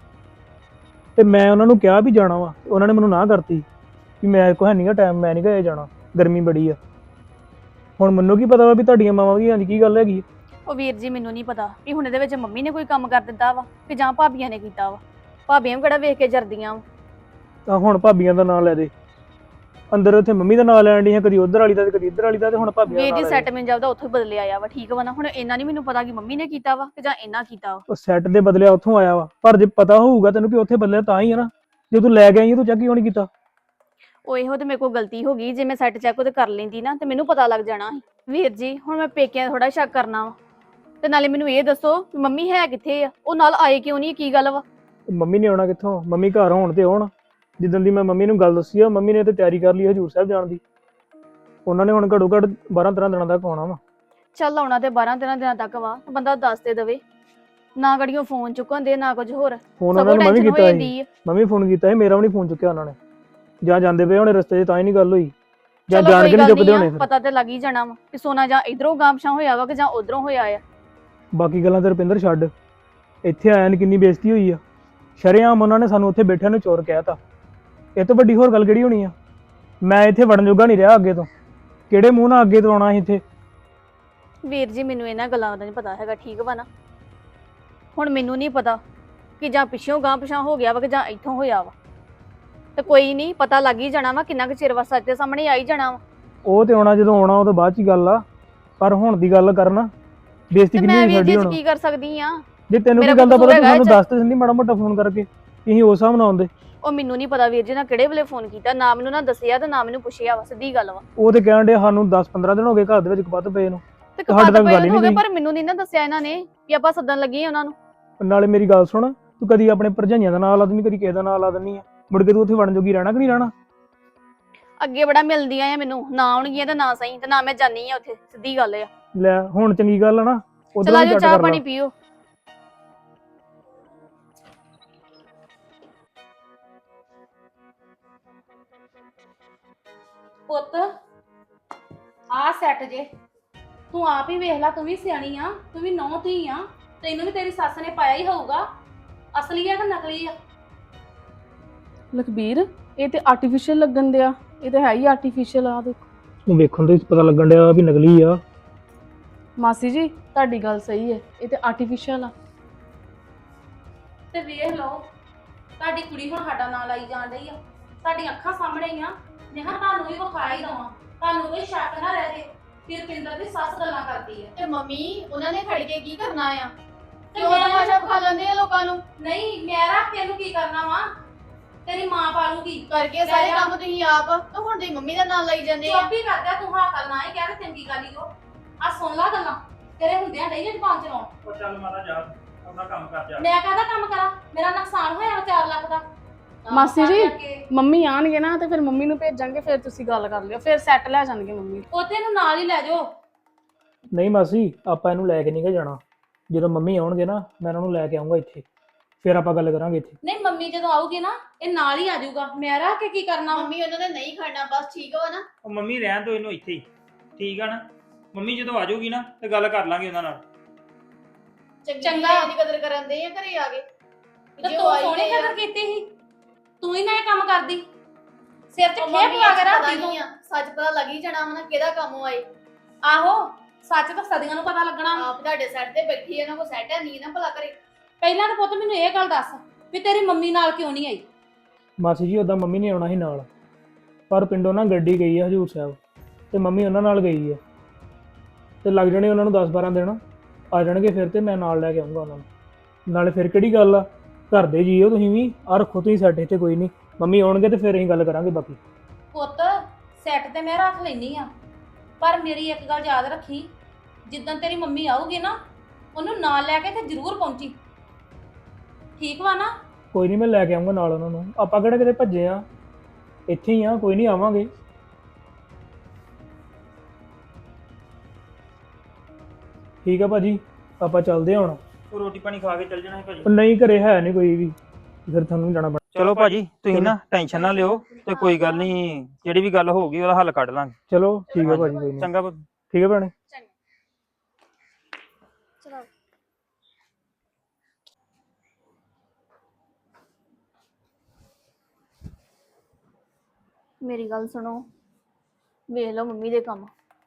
ਤੇ ਮੈਂ ਉਹਨਾਂ ਨੂੰ ਕਿਹਾ ਵੀ ਜਾਣਾ ਵਾ, ਉਹਨਾਂ ਨੇ ਮੈਨੂੰ ਨਾ ਕਰਤੀ ਵੀ ਮੈਂ ਕੋ ਹੈ ਨਹੀਂਗਾ ਟਾਈਮ, ਮੈਂ ਨਹੀਂ ਗਿਆ ਜਾਣਾ, ਗਰਮੀ ਬੜੀ ਆ। ਹੁਣ ਮੈਨੂੰ ਕੀ ਪਤਾ ਵਾ ਵੀ ਤੁਹਾਡੀਆਂ ਮਾਵਾਂ ਦੀ ਹਾਂਜੀ ਕੀ ਗੱਲ ਹੈਗੀ। ਉਹ ਵੀਰ ਜੀ ਮੈਨੂੰ ਨਹੀਂ ਪਤਾ ਵੀ ਹੁਣ ਇਹਦੇ ਵਿੱਚ ਮੰਮੀ ਨੇ ਕੋਈ ਕੰਮ ਕਰ ਦਿੱਤਾ ਵਾ ਕਿ ਜਾਂ ਭਾਬੀਆਂ ਨੇ ਕੀਤਾ ਵਾ। ਭਾਬੀਆਂ ਵੀ ਕਿਹੜਾ ਵੇਖ ਕੇ ਜਰਦੀਆਂ ਵਾ। ਤਾਂ ਹੁਣ ਭਾਬੀਆਂ ਦਾ ਨਾਂ ਲੈ ਦੇ, ਅੰਦਰ ਉੱਥੇ ਮੰਮੀ ਦਾ ਨਾਂ ਲੈਣ ਦੀ ਹੈ, ਕਦੀ ਉਧਰ ਵਾਲੀ ਦਾ ਤੇ ਕਦੀ ਇੱਧਰ ਵਾਲੀ ਦਾ, ਤੇ ਹੁਣ ਭਾਬੀਆਂ ਦਾ ਵੀਰ ਨਾਂ ਜੀ ਲੈ ਸੈੱਟ ਮੈਂ ਜਾਉਦਾ ਉੱਥੋਂ ਹੀ ਬਦਲੇ ਆਇਆ ਵਾ, ਠੀਕ ਵਾ ਨਾ। ਹੁਣ ਇਹਨਾਂ ਨਹੀਂ ਮੈਨੂੰ ਪਤਾ ਕਿ ਮੰਮੀ ਨੇ ਕੀਤਾ ਵਾ ਕਿ ਜਾਂ ਇਹਨਾਂ ਕੀਤਾ ਵਾ। ਉਹ ਸੈੱਟ ਦੇ ਬਦਲਿਆ ਉੱਥੋਂ ਆਇਆ ਵਾ, ਪਰ ਜੇ ਪਤਾ ਹੋਊਗਾ ਤੈਨੂੰ ਵੀ ਉੱਥੇ ਬਦਲਿਆ ਤਾਂ ਹੀ ਹੈ ਨਾ। ਜੇ ਤੂੰ ਲੈ ਕੇ ਆਈ ਤੂੰ ਚੈੱਕ ਕਿਉਂ ਨਹੀਂ ਕੀਤਾ? ਉਹ ਇਹੋ ਤੇ ਮੇਰੇ ਕੋਲ ਗਲਤੀ ਹੋ ਗਈ, ਜੇ ਮੈਂ ਸੈੱਟ ਚੈੱਕ ਉਹਦੇ ਕਰ ਲੈਂਦੀ ਨਾ ਤੇ ਮੈਨੂੰ ਪਤਾ ਲੱਗ ਜਾਣਾ ਸੀ। ਵੀਰ ਜੀ ਹੁਣ ਮੈਂ ਪੇਕਿਆਂ ਥੋੜਾ ਸ਼ੱਕ ਕਰਨਾ ਵਾ, ਤੇ ਨਾਲੇ ਮੈਨੂੰ ਇਹ ਦੱਸੋ ਵੀ ਮੰਮੀ ਹੈ ਕਿੱਥੇ ਆ? ਉਹ ਨਾਲ ਆਏ ਕਿਉਂ ਨਹੀਂ? ਕੀ ਗੱਲ ਵਾ? ਮੰਮੀ ਨੇ ਆਉਣਾ ਕਿੱਥੋਂ? ਮੰਮੀ ਘਰ ਹੋਣ ਤੇ ਆਉਣ। ਜਿੱਦਣ ਦੀ ਮੈਂ ਮੰਮੀ ਨੂੰ ਗੱਲ ਦੱਸੀ ਆ, ਮੰਮੀ ਨੇ ਤੇ ਤਿਆਰੀ ਕਰ ਲਈ ਹਜੂਰ ਸਾਹਿਬ ਜਾਣ ਦੀ। ਉਹਨਾਂ ਨੇ ਹੁਣ ਘੱਟੋ ਘੱਟ ਬਾਰਾਂ ਤੇਰਾਂ ਦਿਨਾਂ ਤੱਕ ਆਉਣਾ ਵਾ। ਚੱਲ ਆਉਣਾ ਤੇ ਬਾਰਾਂ ਤੇਰਾਂ ਦਿਨਾਂ ਤੱਕ ਵਾ, ਬੰਦਾ ਦੱਸ ਤੇ ਦੇਵੇ ਨਾ। ਗੜੀਆਂ ਫੋਨ ਚੁੱਕਣ ਦੇ ਨਾ ਕੁਝ ਹੋਰ, ਫੋਨ ਉਹਨਾਂ ਸਗੋਂ ਨੇ ਮੈਂ ਵੀ ਟੈਨਸ਼ਨ ਹੋ ਕੀਤਾ ਸੀ, ਜਾਂਦੀ ਆ। ਮੈਂ ਵੀ ਫੋਨ ਕੀਤਾ ਸੀ, ਮੇਰਾ ਵੀ ਨਹੀਂ ਫੋਨ ਚੁੱਕਿਆ ਉਹਨਾਂ ਨੇ। ਜਾਂ ਜਾਂਦੇ ਪਏ ਹੋਣੇ ਰਸਤੇ 'ਚ ਤਾਂ ਹੀ ਨਹੀਂ ਗੱਲ ਹੋਈ, ਜਾਂ ਚਲੋ ਜਾਣ ਕੋਈ ਕੇ ਨਹੀਂ ਗੱਲ ਚੁੱਕਦੇ ਨਹੀਂ ਹੋਣੇ ਆ, ਫਿਰ। ਪਤਾ ਤੇ ਲੱਗ ਹੀ ਜਾਣਾ ਵਾ ਕਿ ਸੋਨਾ ਜਾਂ ਇਧਰੋਂ ਗਾਮਸ਼ਾ ਹੋਇਆ ਵਾ ਕਿ ਜਾਂ ਉਧਰੋਂ ਹੋਇਆ ਆ। ਬਾਕੀ ਗੱਲਾਂ ਤੇ ਰੁਪਿੰਦਰ ਛੱਡ, ਇੱਥੇ ਆਇਆ ਨੇ ਕਿੰਨੀ ਬੇਇੱਜ਼ਤੀ ਹੋਈ ਆ। ਸ਼ਰੇਆਮ ਉਹਨਾਂ ਨੇ ਸਾਨੂੰ ਉੱਥੇ ਬੈਠਿਆਂ ਨੂੰ ਚੋਰ ਕਹਿਤਾ। ਇਹ ਤੋਂ ਵੱਡੀ ਹੋਰ ਗੱਲ ਕਿਹੜੀ ਹੋਣੀ ਆ? ਮੈਂ ਇੱਥੇ ਵੜਨ ਜੋਗਾ ਨਹੀਂ ਰਿਹਾ ਅੱਗੇ ਤੋਂ। ਕਿਹੜੇ ਮੂੰਹ ਨਾਲ ਅੱਗੇ ਤੋਂ ਆਉਣਾ ਸੀ ਇੱਥੇ? ਵੀਰ ਜੀ ਮੈਨੂੰ ਇਹਨਾਂ ਗੱਲਾਂ ਦਾ ਨਹੀਂ ਪਤਾ ਹੈਗਾ, ਠੀਕ ਵਾ ਨਾ। ਹੁਣ ਮੈਨੂੰ ਨਹੀਂ ਪਤਾ ਕਿ ਜਾਂ ਪਿੱਛੋਂ ਗਾਂ ਪਿਛਾਂ ਹੋ ਗਿਆ ਵਾ ਕਿ ਜਾਂ ਇੱਥੋਂ ਹੋਇਆ ਵਾ, ਤੇ ਕੋਈ ਨਹੀਂ ਪਤਾ ਲੱਗ ਹੀ ਜਾਣਾ ਵਾ। ਕਿੰਨਾ ਕੁ ਚਿਰ ਵਾ ਸੱਚ ਦੇ ਸਾਹਮਣੇ ਆ ਹੀ ਜਾਣਾ ਵਾ। ਉਹ ਤੇ ਆਉਣਾ ਜਦੋਂ ਆਉਣਾ, ਉਹ ਤੋਂ ਬਾਅਦ 'ਚ ਗੱਲ ਆ। ਪਰ ਹੁਣ ਦੀ ਗੱਲ ਕਰਨਾ, ਬੇਇੱਜ਼ਤੀ ਤੇ ਕਿੰਨੀ ਮੈਂ ਹੋਈ ਵੀਰ ਜੀ ਸਾਡੀ ਚ ਹੁਣ। ਕੀ ਕਰ ਸਕਦੀ ਆ? ਜੇ ਤੈਨੂੰ ਮੇਰਾ ਕੀ ਗੱਲ ਦਾ ਕਸੂਰ ਪਤਾ ਤੂੰ ਹੈਗਾ ਸਾਨੂੰ ਇਹ 'ਚ। ਦੱਸ ਤੇ ਦਿੰਦੀ ਮਾੜਾ ਮੋਟਾ ਫੋਨ ਕਰਕੇ, ਅਸੀਂ ਉਸ ਹਿਸਾਬ ਨਾਲ ਆਉਂਦੇ। ਉਹ ਮੈਨੂੰ ਨਹੀਂ ਪਤਾ ਵੀਰ ਜੀ ਨਾ ਕਿਹੜੇ ਵੇਲੇ ਫੋਨ ਕੀਤਾ, ਨਾ ਮੈਨੂੰ ਨਾ ਦੱਸਿਆ ਤੇ ਨਾ ਮੈਨੂੰ ਪੁੱਛਿਆ ਵਾ, ਸਿੱਧੀ ਗੱਲ ਵਾ। ਉਹ ਤੇ ਕਹਿਣ ਦੇ ਸਾਨੂੰ ਦਸ ਪੰਦਰਾਂ ਦਿਨ ਹੋ ਗਏ ਘਰ ਦੇ ਵਿੱਚ ਕਪੱਤ ਪਏ ਨੂੰ। ਤੇ ਤੁਹਾਡੇ ਕਪਾਤ ਤੱਕ ਗੱਲ ਪਏ ਹੀ ਹੋ ਨਹੀਂ ਗਏ, ਗਈ। ਪਰ ਮੈਨੂੰ ਨਹੀਂ ਨਾ ਦੱਸਿਆ ਇਹਨਾਂ ਨੇ ਕਿ ਆਪਾਂ ਸੱਦਣ ਲੱਗੇ ਆ ਉਹਨਾਂ ਨੂੰ। ਨਾਲੇ ਮੇਰੀ ਗੱਲ ਸੁਣ, ਤੂੰ ਕਦੀ ਆਪਣੇ ਭਰਜਾਈਆਂ ਦਾ ਨਾਂ ਲਾ ਦਿੰਦੀ, ਕਦੀ ਕਿਸੇ ਦਾ ਨਾਂ ਲਾ ਦਿੰਦੀ ਆ। ਮੁੜ ਕੇ ਤੂੰ ਉੱਥੇ ਵੜਨ ਜੋਗੀ ਰਹਿਣਾ ਕਿ ਨਹੀਂ ਰਹਿਣਾ? ਅੱਗੇ ਬੜਾ ਮਿਲਦੀਆਂ ਆ ਮੈਨੂੰ, ਨਾ ਆਉਣਗੀਆਂ ਤੇ ਨਾ ਸਹੀ, ਤੇ ਨਾ ਮੈਂ ਜਾਣੀ ਆ ਉੱਥੇ, ਸਿੱਧੀ ਗੱਲ ਆ। ਲੈ ਹੁਣ ਚੰਗੀ ਗੱਲ ਆ ਨਾ, ਉਧਰ ਚਲਾ ਵੀ ਜਾਓ ਕੱਟ ਚਾਹ ਕਰ ਪਾਣੀ ਲਾ। ਪੀਓ। ਪੁੱਤ ਆ ਸੈੱਟ ਜੇ, ਤੂੰ ਆਪ ਹੀ ਵੇਖ ਲੈ, ਤੂੰ ਵੀ ਸਿਆਣੀ ਆ, ਤੂੰ ਵੀ ਨੌਂ ਧੀ ਆ, ਤੈਨੂੰ ਵੀ ਤੇਰੀ ਸੱਸ ਨੇ ਪਾਇਆ ਹੀ ਹੋਊਗਾ। ਅਸਲੀ ਆ ਕਿ ਨਕਲੀ ਆ? ਲਖਬੀਰ ਇਹ ਤੇ ਆਰਟੀਫੀਸ਼ੀਅਲ ਲੱਗਣ ਦਿਆ, ਇਹ ਤੇ ਹੈ ਹੀ ਆਰਟੀਫੀਸ਼ੀਅਲ ਆ। ਦੇਖੋ ਤੂੰ ਵੇਖਣ ਤੋਂ ਹੀ ਪਤਾ ਲੱਗਣ ਡਿਆ ਵੀ ਨਕਲੀ ਆ। ਮਾਸੀ ਜੀ ਤੁਹਾਡੀ ਗੱਲ ਸਹੀ ਹੈ, ਇਹ ਤੇ ਆਰਟੀਫੀਸ਼ੀਅਲ ਆ। ਤੇ ਵੇਖ ਲਓ, ਤੁਹਾਡੀ ਕੁੜੀ ਹੁਣ ਸਾਡਾ ਨਾਂ ਲਾਈ ਜਾਣ ਰਹੀ ਆ, ਸਾਡੀਆਂ ਅੱਖਾਂ ਸਾਹਮਣੇ ਹੀ ਆ। ਜੇ ਹਾਂ ਤੁਹਾਨੂੰ ਵੀ ਵਿਖਾ ਹੀ ਦਵਾਂ, ਤੁਹਾਨੂੰ ਕੋਈ ਸ਼ੱਕ ਨਾ ਰਹੇ ਕਿ ਰੁਪਿੰਦਰ ਦੀ ਸੱਸ ਗੱਲਾਂ ਕਰਦੀ ਹੈ। ਤੇ ਮੰਮੀ ਉਹਨਾਂ ਨੇ ਖੜ ਕੇ ਕੀ ਕਰਨਾ ਆ? ਤੇ ਕਿਉਂ ਮੈਂ- ਤਮਾਸ਼ਾ ਖਾ ਲੈਂਦੇ ਆ ਲੋਕਾਂ ਨੂੰ? ਨਹੀਂ, ਮੈਂ ਰੱਖ ਕੇ ਇਹਨੂੰ ਕੀ ਕਰਨਾ ਵਾ? ਤੇਰੀ ਮਾਂ ਪਾਲੂਗੀ ਕਰਕੇ ਲੈ ਸਾਰੇ ਜਾ। ਕੰਮ ਤੁਸੀਂ ਆਪ ਤੇ ਹੁਣ ਤੁਸੀਂ ਮੰਮੀ ਦਾ ਨਾਂ ਲਈ ਜਾਂਦੇ ਆ ਚੁੱਪ ਹੀ ਕਰਦਾ ਤੂੰ ਹਾਂ ਕਰਨਾ ਹੀ ਕਹਿ ਤੇ ਚੰਗੀ ਗੱਲ ਹੀ ਉਹ ਆ ਸੁਣ ਲਾ ਗੱਲਾਂ ਤੇਰੇ ਹੁੰਦਿਆਂ ਨਹੀਂ ਜ਼ਬਾਨ ਚਲਾਉਣ ਉਹ ਚੱਲ ਮਾਤਾ ਜਾ ਆਪਣਾ ਕੰਮ ਕਰ ਜਾ ਮੈਂ ਕਾਹਦਾ ਕੰਮ ਕਰਾਂ ਮੇਰਾ ਨੁਕਸਾਨ ਹੋਇਆ ਚਾਰ ਲੱਖ ਦਾ ਕੰਮ ਮਾਸੀ ਕਰ ਜੀ। ਕਰਕੇ। ਮੰਮੀ ਆਣਗੇ ਨਾ ਤੇ ਫਿਰ ਮੰਮੀ ਨੂੰ ਭੇਜਾਂਗੇ, ਫਿਰ ਤੁਸੀਂ ਗੱਲ ਕਰ ਲਿਓ, ਫਿਰ ਸੈੱਟ ਲੈ ਜਾਣਗੇ ਮੰਮੀ। ਉਹਦੇ ਨੂੰ ਨਾਲ ਹੀ ਲੈ ਜਾਓ। ਨਹੀਂ ਮਾਸੀ ਆਪਾਂ ਇਹਨੂੰ ਲੈ ਕੇ ਨਹੀਂ ਗਾ ਜਾਣਾ। ਜਦੋਂ ਮੰਮੀ ਆਉਣਗੇ ਨਾ ਮੈਂ ਇਹਨਾਂ ਨੂੰ ਲੈ ਕੇ ਆਉਂਗਾ ਇੱਥੇ, ਫਿਰ ਆਪਾਂ ਗੱਲ ਕਰਾਂਗੇ ਇੱਥੇ। ਨਹੀਂ ਮੰਮੀ ਜਦੋਂ ਆਊਗੀ ਨਾ ਇਹ ਨਾਲ ਹੀ ਆ ਜਾਊਗਾ, ਮੈਂ ਰਹਿ ਕੇ ਕੀ ਕਰਨਾ ਵਾ? ਮੰਮੀ ਉਹਨਾਂ ਨੇ ਨਹੀਂ ਖੜਨਾ, ਬਸ ਠੀਕ ਹੋ ਨਾ। ਉਹ ਮੰਮੀ ਰਹਿਣ ਦੋ ਇਹਨੂੰ ਇੱਥੇ ਹੀ, ਠੀਕ ਆ ਨਾ। ਮੰਮੀ ਜਦੋਂ ਆ ਜਾਊਗੀ ਨਾ ਤੇ ਗੱਲ ਕਰ ਲਾਂਗੇ ਉਹਨਾਂ ਨਾਲ। ਚੰਗੀ ਚੰਗਾ। ਦੀ ਕਦਰ ਕਰਨ ਦੇ ਆ ਘਰੇ ਆ ਕੇ ਤੇ ਜੇ ਉਹ ਤੂੰ ਆਈ ਸੋਹਣੀ ਤੇ ਆ। ਕਦਰ ਕੀਤੀ ਸੀ, ਤੂੰ ਹੀ ਨਾ ਇਹ ਕੰਮ ਕਰਦੀ, ਸਿਰ 'ਚ ਉਹ ਖੇਪ ਮੰਮੀ ਲਾ ਕੇ ਪਤਾ ਰੱਖਦੀ ਤੂੰ। ਨਹੀਂ ਆ, ਸੱਚ ਪਤਾ ਲੱਗ ਹੀ ਜਾਣਾ ਵਾ ਨਾ ਕਿਹਦਾ ਕੰਮ ਆਏ। ਆਹੋ ਸੱਚ ਤਾਂ ਸਦੀਆਂ ਨੂੰ ਪਤਾ ਲੱਗਣਾ। ਆਪ ਤੁਹਾਡੇ ਸੈੱਟ ਤੇ ਬੈਠੀ ਇਹਨਾਂ ਕੋ ਸੈੱਟ ਹੈ ਨਹੀਂ ਨਾ ਭਲਾ ਕਰੇ। ਪਹਿਲਾਂ ਤਾਂ ਪੁੱਤ ਮੈਨੂੰ ਇਹ ਗੱਲ ਦੱਸ ਵੀ ਤੇਰੀ ਮੰਮੀ ਨਾਲ ਕਿਉਂ ਨਹੀਂ ਆਈ? ਮਾਸੀ ਜੀ ਉਦਾਂ ਮੰਮੀ ਨੇ ਆਉਣਾ ਸੀ ਨਾਲ, ਪਰ ਪਿੰਡੋਂ ਨਾ ਗੱਡੀ ਗਈ ਹੈ ਹਜੂਰ ਸਾਹਿਬ ਤੇ ਮੰਮੀ ਉਹਨਾਂ ਨਾਲ ਗਈ ਹੈ ਤੇ ਲੱਗ ਜਾਣੇ ਉਹਨਾਂ ਨੂੰ ਦਸ ਬਾਰਾਂ ਦਿਨ, ਆ ਜਾਣਗੇ ਫਿਰ ਤੇ ਮੈਂ ਨਾਲ ਲੈ ਕੇ ਆਉਂਗਾ ਉਹਨਾਂ ਨੂੰ। ਨਾਲੇ ਫਿਰ ਕਿਹੜੀ ਗੱਲ ਆ, ਘਰ ਦੇ ਜੀਓ ਤੁਸੀਂ ਵੀ, ਆ ਰੱਖੋ ਤੁਸੀਂ ਸੈੱਟ ਇੱਥੇ, ਕੋਈ ਨਹੀਂ ਮੰਮੀ ਆਉਣਗੇ ਤੇ ਫਿਰ ਅਸੀਂ ਗੱਲ ਕਰਾਂਗੇ ਬਾਕੀ। ਪੁੱਤ ਸੈੱਟ ਤੇ ਮੈਂ ਰੱਖ ਲੈਣੀ ਆ, ਪਰ ਮੇਰੀ ਇੱਕ ਗੱਲ ਯਾਦ ਰੱਖੀ, ਜਿੱਦਣ ਤੇਰੀ ਮੰਮੀ ਆਊਗੀ ਨਾ ਉਹਨੂੰ ਨਾਲ ਲੈ ਕੇ ਤੇ ਜ਼ਰੂਰ ਪਹੁੰਚੀ, ਠੀਕ ਵਾ ਨਾ? ਕੋਈ ਨਹੀਂ ਮੈਂ ਲੈ ਕੇ ਆਉਂਗਾ ਨਾਲ ਉਹਨਾਂ ਨੂੰ, ਆਪਾਂ ਕਿਹੜਾ ਕਿਤੇ ਭੱਜੇ ਆ, ਇੱਥੇ ਹੀ ਆ, ਕੋਈ ਨਹੀਂ ਆਵਾਂਗੇ। ਠੀਕ ਆ ਭਾਜੀ, ਆਪਾਂ ਚੱਲਦੇ ਹਾਂ ਹੁਣ। ਉਹ ਰੋਟੀ ਪਾਣੀ ਖਾ ਕੇ ਚੱਲ ਜਾਣਾ ਹੈ ਭਾਜੀ। ਉਹ ਨਹੀਂ ਘਰੇ ਹੈ ਨਹੀਂ ਕੋਈ ਵੀ, ਫਿਰ ਤੁਹਾਨੂੰ ਜਾਣਾ ਪੈਣਾ। ਚਲੋ ਭਾਜੀ ਤੁਸੀਂ ਨਾ ਟੈਨਸ਼ਨ ਨਾ ਲਿਓ ਤੇ ਕੋਈ ਗੱਲ ਨਹੀਂ, ਜਿਹੜੀ ਵੀ ਗੱਲ ਹੋਊਗੀ ਉਹਦਾ ਹੱਲ ਕੱਢ ਲਾਂਗੇ। ਚਲੋ ਠੀਕ ਹੈ ਭਾਜੀ, ਕੋਈ ਨਹੀਂ। ਚੰਗਾ ਭਾਜੀ। ਠੀਕ ਹੈ ਭੈਣੇ। ਚਲੋ ਮੇਰੀ ਗੱਲ ਸੁਣੋ, ਵੇਖ ਲਓ ਮੰਮੀ ਦੇ ਕੰਮ